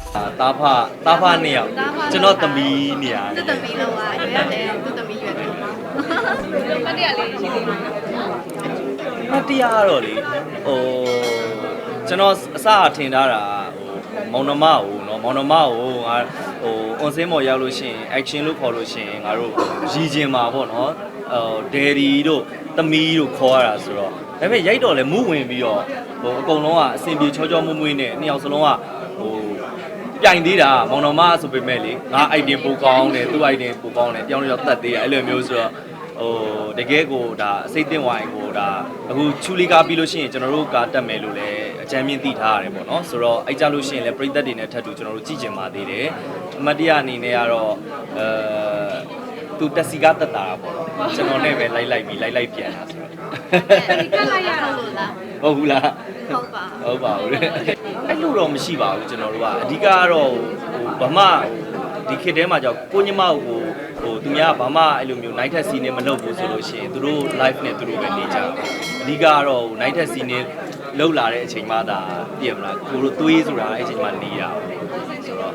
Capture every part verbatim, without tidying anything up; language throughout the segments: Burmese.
တာဖတာဖနှစ်ယောက်ကျွန်တော်သမီးနေရတယ်သူ့သမီးလောက်อ่ะရွေးရတယ်သူ့သမီးရွေးတယ်မတရားလေးရှိသေးတယ်မတရားတော့လေဟိုကျွန်တော်အစအထင်ထားတာဟိုမောင်နှမကိုနော်မောင်နှမကိုငါဟို on scene ပေါ်ရောက်လို့ရှိရင် action လို့ခေါ်လို့ရှိရင်ငါတို့ရည်ကျင်မှာပေါ့နော်ဟို daddy တို့သမီးတို့ခေါ်ရတာဆိုတော့ဒါပေမဲ့ရိုက်တော့လဲမူးဝင်ပြီးတော့ဟိုအကုန်လုံးကအစင်ပြေချောချောမွေ့မွေ့နဲ့နှစ်ယောက်စလုံးကဟိုပြိုင်သေးတာမောင်နှမဆိုပေမဲ့လေငါ item ပိုကောင်းတယ်သူ့ item ပိုကောင်းတယ်ပြောင်းလို့တတ်သေးတယ်အဲ့လိုမျိုးဆိုတော့ဟိုတကယ်ကိုဒါအစိတ်တင်ဝိုင်ကိုဒါအခုချူလီကားပြီးလို့ရှိရင်ကျွန်တော်တို့ကားတက်မယ်လို့လည်းအကြမ်းမြင့်သိထားရတယ်ပေါ့နော်ဆိုတော့အဲ့ကြလို့ရှိရင်လည်းပရိသတ်တွေနဲ့ထပ်တူကျွန်တော်တို့ကြည့်ကြင်ပါသေးတယ်အမတ်တရအနေနဲ့ကတော့အဲသူတက်စီကားတက်တာပေါ့နော်ကျွန်တော်နဲ့ပဲလိုက်လိုက်ပြီးလိုက်လိုက်ပြန်တာဆိုတော့ဒီကလိုက်ရတော့လို့လားဟုတ်ဘူးလားဟုတ်ပါဟုတ်ပါဘူးလေအဲ့လိုတော့မရှိပါဘူးကျွန်တော်တို့ကအဓိကကတော့ဟိုဘာမှဒီခေတ်ထဲမှာကြောက်ကိုညမကိုဟိုသူများဘာမှအဲ့လိုမျိုး night test scene နဲ့မလုပ်ဘူးဆိုလို့ရှိရင်သူတို့ live နဲ့သူတို့ပဲနေကြတယ်အဓိကကတော့ night test scene နဲ့လောက်လာတဲ့အချိန်မှသာပြင်မလားကိုတို့သွေးဆိုတာအဲ့အချိန်မှနေရအောင်ဆိုတော့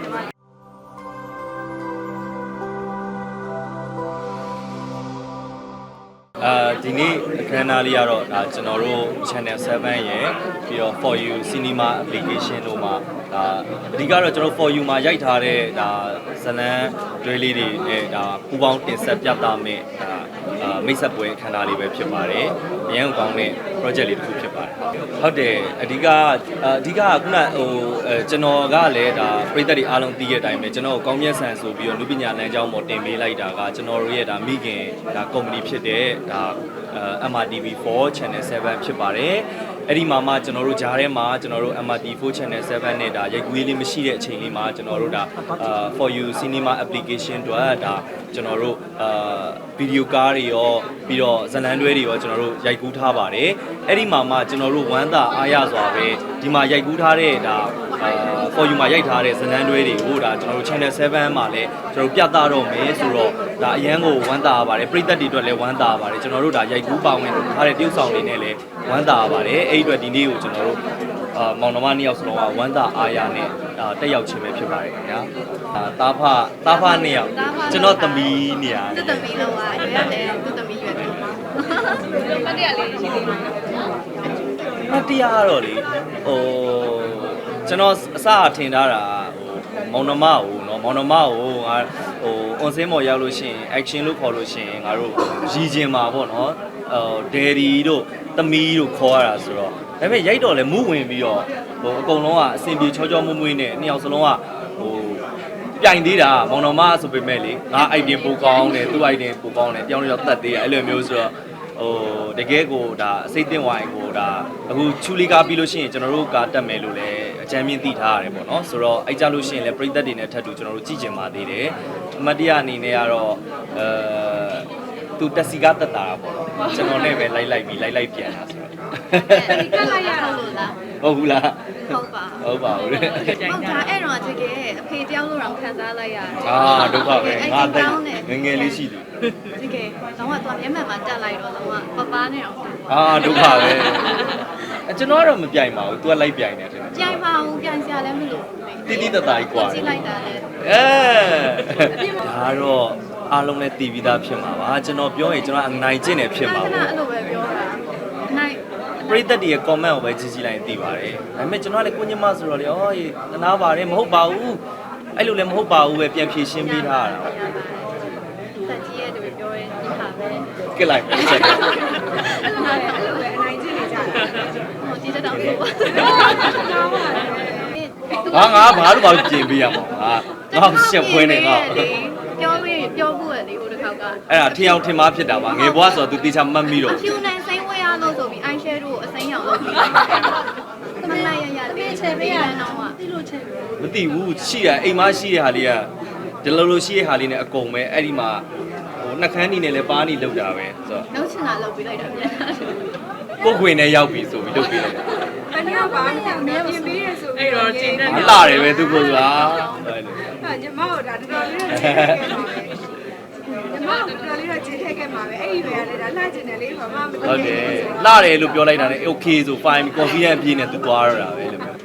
အာဒီနေ့အခမ်းအနားလေးကတော့ဒါကျွန်တော်တို့ channel seven ရယ်ပြီးတော့ for you cinema application တို့မှာဒါအဓိကတော့ကျွန်တော် for you မှာရိုက်ထားတဲ့ဒါဇလန်းတွဲလေးတွေနဲ့ဒါပူပေါင်းတင်ဆက်ပြသမယ်ဒါအာမိတ်ဆက်ပွဲအခမ်းအနားလေးပဲဖြစ်ပါတယ်အရင်ကကောင်းတဲ့ project လေးတစ်ခုဖြစ်ပါတယ်ဟုတ်တယ်အဓိကအဓိကကခုနဟိုအဲကျွန်တော်ကလည်းဒါပြည်သက်တွေအားလုံးသိခဲ့တဲ့အတိုင်းပဲကျွန်တော်ကောင်းမြတ်ဆန်ဆိုပြီးတော့လူပညာလမ်းကြောင်းပေါ်တင်ပေးလိုက်တာကကျွန်တော်တို့ရဲ့ဒါမိခင်ဒါ company ဖြစ်တဲ့ဒါ M R T V four channel seven ဖြစ်ပါတယ်အဲ့ဒီမှာမှကျွန်တော်တို့ဂျားထဲမှာကျွန်တော်တို့ M R T V four channel seven နဲ့ဒါရိုက်ကူးရေးလေးမရှိတဲ့အချိန်လေးမှာကျွန်တော်တို့ဒါ for you cinema application တို့ဒါကျွန်တော်တို့အာဗီဒီယိုကားတွေရောပြီးတော့ဇလန်တွဲတွေရောကျွန်တော်တို့ရိုက်ကူးထားပါတယ်အဲ့ဒီမှာမှကျွန်တော်တို့ဝမ်းသာအားရစွာပဲဒီမှာရိုက်ကူးထားတဲ့ဒါအာ for you မှာရိုက်ထားတဲ့ဇလန်တွဲတွေကိုဒါကျွန်တော်တို့ channel seven မှာလည်းကျွန်တော်တို့ပြသတော့မယ်ဆိုတော့ဒါအရန်ကိုဝမ်းသာပါတယ်ပရိသတ်တွေအတွက်လည်းဝမ်းသာပါတယ်ကျွန်တော်တို့ဒါရိုက်ကူးပါဝင်ထားတဲ့တရုပ်ဆောင်တွေနဲ့လည်းဝမ်းသာပါတယ်အဲ့ဒီအတွက်ဒီနေ့ကိုကျွန်တော်တို့အာမောင်နှမနှစ်ယောက်စလုံးကဝမ်းသာအားရနဲ့ဒါတက်ရောက်ခြင်းပဲဖြစ်ပါတယ်ခင်ဗျာအာတာဖတာဖနှစ်ယောက်ကျွန်တော်သမီးနေရတယ်သူ့သမီးလောက်อ่ะရွေးရတယ်သူ့သမီးရွေးတယ်မတရားလေးရှိသေးတယ်မတရားတော့လေဟိုကျွန်တော်အစအထင်ထားတာဟိုမောင်နှမကိုနော်မောင်နှမကိုငါဟို on scene ပေါ်ရောက်လို့ရှိရင် action လို့ခေါ်လို့ရှိရင်ငါတို့ရည်ကျင်မှာပေါ့နော်ဟို daddy တို့သမီးတို့ခေါ်ရတာဆိုတော့ဒါပေမဲ့ရိုက်တော့လဲမူးဝင်ပြီးတော့ဟိုအကုန်လုံးကအစင်ပြေချောချောမွေ့မွေ့နဲ့နှစ်ယောက်စလုံးကဟိုပြိုင်သေးတာမောင်နှမဆိုပေမဲ့လေငါ item ပိုကောင်းတယ်သူ့ item ပိုကောင်းတယ်ပြောင်းလို့တတ်သေးတယ်အဲ့လိုမျိုးဆိုတော့ဟိုတကယ်ကိုဒါအစိတ်တင်ဝိုင်ကိုဒါအခုချူလီကားပြီးလို့ရှိရင်ကျွန်တော်တို့ကားတက်မယ်လို့လည်းအကြမ်းမြင့်သိထားရတယ်ပေါ့နော်ဆိုတော့အဲ့ကြလို့ရှိရင်လည်းပရိသတ်တွေနဲ့ထပ်တူကျွန်တော်တို့ကြည့်ကြင်ပါသေးတယ်အမတ်တရအနေနဲ့ကတော့အဲသူတက်စီကားတက်တာပေါ့နော်ကျွန်တော်နဲ့ပဲလိုက်လိုက်ပြီးလိုက်လိုက်ပြန်တာဆိုတော့ဒီကလိုက်ရတော့လို့လားဟုတ်ဘူးလားဟုတ်ပါဟုတ်ပါဘူးလေဟုတ်ဒါအဲ့တော့တကယ်အဖေတယောက်လို့တော့ခံစားလိုက်ရတယ်အာဒုက္ခပဲငါတက်ငငယ်လေးရှိတယ်တကယ်တော့တော့မျက်မှန်မှာတက်လိုက်တော့တော့ပပနဲ့တော့အာဒုက္ခပဲအကျွန်တော်ကတော့မပြိုင်ပါဘူး तू ကလိုက်ပြိုင်တယ်ထင်တယ်ပြိုင်ပါအောင်ပြိုင်စရာလည်းမလိုတိတိတတ်တာကြီးกว่าကြည့်လိုက်တာလေအဲဒါတော့အားလုံးလည်းတည်ပြီးသားဖြစ်မှာပါကျွန်တော်ပြောရင်ကျွန်တော်အနိုင်ကျင့်တယ်ဖြစ်မှာခဏပေါ့အဲ့လိုပဲပြောတာနိုင်ပရိသတ်တွေရဲ့ comment ကိုပဲကြည့်ကြည့်လိုက်ရင်သိပါတယ်ဒါပေမဲ့ကျွန်တော်ကလည်းကိုညမဆိုတော့လေဩရေတနာပါတယ်မဟုတ်ပါဘူးအဲ့လိုလည်းမဟုတ်ပါဘူးပဲပြန်ဖြေရှင်းပေးထားတာတက်ကြီးရဲ့တူပြောရင်ဒီဟာပဲကစ်လိုက်ဆက်တယ်အဲ့လိုပဲအဲ့လိုပဲအနိုင်ကျင့်နေကြတာဟိုဒီတက်တော့ဆိုပါငါငါဘာလို့ဘာလို့ပြင်ပေးရမှာဟာငါရှက်ခွင်းနေငါပြောပြီးပြောဖို့ရလေဟိုတစ်ခါကအဲ့ဒါထင်အောင်ထင်မှားဖြစ်တာပါငယ်ဘွားဆိုတော့ तू တေချာမှတ်မိတော့ဖြူနိုင်စိမ့်ဝဲရလို့ဆိုပြီး eye shadow ကိုအစိမ်းရောင်လုပ်ပြီးသမလိုက်ရရလေးချေပေးရတော့မှဒီလိုချေပေးမသိဘူးရှိရအိမ်မရှိတဲ့ဟာလေးကဒီလိုလိုရှိတဲ့ဟာလေးနဲ့အကုန်ပဲအဲ့ဒီမှာဟိုနှက်ခမ်းနေနဲ့လည်းပါးနေလောက်တာပဲဆိုတော့လောက်ချင်တာလုပ်ပြီးလိုက်တာပြန်ကိုခွေနဲ့ရောက်ပြီဆိုပြီးလုပ်ပေးလိုက်တာအနည်းပါးနဲ့မဲပြင်ပေးရဆိုပြီးတော့ကျင်းနေမလာတယ်ပဲသူကဆိုတာအဲ့လိုဟာညီမတို့ဒါတော်တော်လေးတော့ကျင်းခဲ့ပါပဲညီမတို့တော်တော်လေးတော့ကျင်းခဲ့ခဲ့မှာပဲအဲ့ဒီပဲလေဒါလှကျင်တယ်လေဘာမှမဟုတ်တယ်လာတယ်လို့ပြောလိုက်တာနဲ့ okay ဆို fine confident ပြည့်နေသူသွားရတာပဲလို့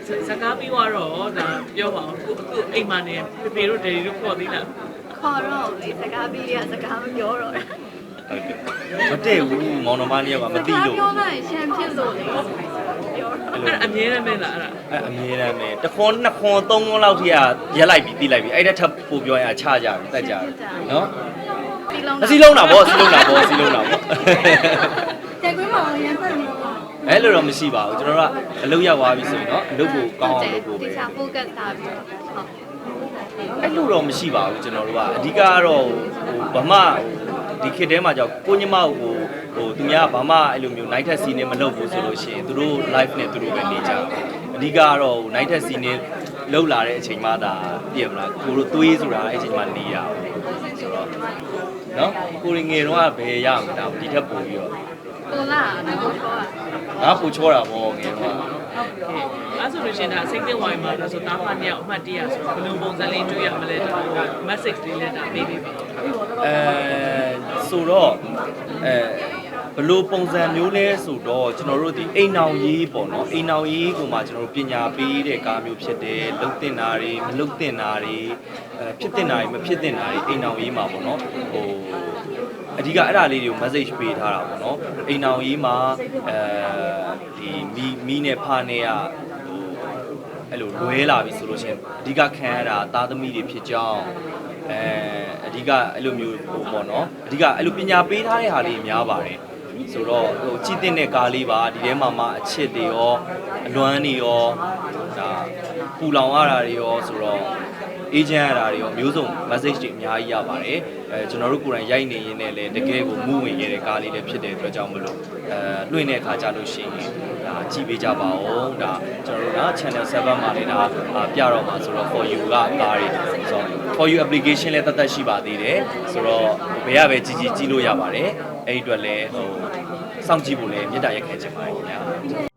စကားပြီးတော့ဒါပြောပါအောင်ခုအခုအိမ်မှာနေဖေဖေတို့ဒယ်ဒီတို့ခေါ်သေးလားခေါ်တော့လေစကားပြီးရစကားမပြောတော့ဟုတ်တယ်မတည့်ဘူးမောင်နှမလေးကမသိလို့ပြောမှရှမ်းဖြစ်လို့လေပြောတော့အဲ့အမြဲတမ်းပဲလားအဲ့ဒါအဲအမြဲတမ်းပဲတစ်ခွန်းနှစ်ခွန်းသုံးခွန်းလောက်ထိကရက်လိုက်ပြီးပြီးလိုက်ပြီးအဲ့ဒါထပ်ပို့ပြောရင်ချကြပြီတက်ကြပြီနော်စီလုံးအစီလုံးတာဗောအစီလုံးတာဗောအစီလုံးတာဗောတဲ့ကွင်းမှာရမ်းဖတ်နေတော့အဲ့လိုတော့မရှိပါဘူးကျွန်တော်တို့ကအလုပ်ရောက်သွားပြီဆိုရင်တော့အလုပ်ကိုကောင်းအောင်လုပ်ဖို့ပဲတခြား focus ထားပြီးတော့ဟုတ်အဲ့လိုတော့မရှိပါဘူးကျွန်တော်တို့ကအဓိကကတော့ဟိုဗမာဒီခေတ်ထဲမှာကြောက်ကိုညမကိုဟိုသူများကဘာမှအဲ့လိုမျိုး night test scene နဲ့မလုပ်ဘူးဆိုလို့ရှိရင်သူတို့ live နဲ့သူတို့ပဲနေကြတယ်အဓိကကတော့ဟို night test scene နဲ့လောက်လာတဲ့အချိန်မှသာပြည့်မလားကိုတို့သွေးဆိုတာအဲ့အချိန်မှနေရအောင်ဆိုတော့နော်ကိုရငယ်တော့ဘယ်ရမှာဒါဒီထက်ပိုပြီးတော့ကိုလာကိုချောတာငါပူချောတာပေါ့ငယ်တော့အဲ့ဆိုလို့ရှိရင်ဒါစိတ်သက်ဝိုင်းမှာဒါဆိုတာမှနှစ်ယောက်အမှတ်တရဆိုဘယ်လိုပုံစံလေးတွေ့ရမလဲဒါ message လေးလက်တာပေးပေးပါအဲဆိုတော့အဲဘလို့ပုံစံမျိုးလဲဆိုတော့ကျွန်တော်တို့ဒီအိမ်နောင်ရေးပေါ့နော်အိမ်နောင်ရေးကိုမှကျွန်တော်တို့ပညာပေးတဲ့ကားမျိုးဖြစ်တယ်လုံတင်တာတွေမလုံတင်တာတွေအဲဖြစ်တင်တာတွေမဖြစ်တင်တာတွေအိမ်နောင်ရေးမှာပေါ့နော်ဟိုအဓိကအဲ့ဒါလေးတွေကို message ပေးထားတာပေါ့နော်အိမ်နောင်ရေးမှာအဲဒီမီမီနဲ့ဖာနဲ့ကဟိုအဲ့လိုလွဲလာပြီဆိုလို့ရှိရင်အဓိကခံရတာသားသမီးတွေဖြစ်ကြောင်းအဲအဓိကအဲ့လိုမျိုးဟိုပေါ့နော်အဓိကအဲ့လိုပညာပေးထားတဲ့ဟာလေးများပါတယ်ဆိုတော့ဟိုကြည့်တဲ့ကားလေးပါဒီထဲမှာမှအချစ်တွေရောအလွမ်းတွေရောဒါပူလောင်ရတာတွေရောဆိုတော့အေဂျင့်ရတာတွေရောမျိုးစုံ message တွေအများကြီးရပါတယ်အဲကျွန်တော်တို့ကိုယ်တိုင်ရိုက်နေရင်းနဲ့လည်းတကယ်ကိုမူးဝင်ရတဲ့ကားလေးလည်းဖြစ်တဲ့အတွက်ကြောင့်မလို့အဲလွှင့်တဲ့အခါကြလို့ရှိရင်ဒါကြည့်ပေးကြပါဦးဒါကျွန်တော်တို့က channel เซเว่น မှာလည်းဒါပြတော့မှာဆိုတော့ for you ကကားတွေဆို for you application လည်းတတ်တတ်ရှိပါသေးတယ်ဆိုတော့ဘယ်ရပဲကြည့်ကြည့်ကြည့်လို့ရပါတယ်အဲ့ဒီအတွက်လည်းဟိုစောင့်ကြည့်ဖို့လည်းမေတ္တာရက်ခဲချင်ပါတယ်ခင်ဗျာ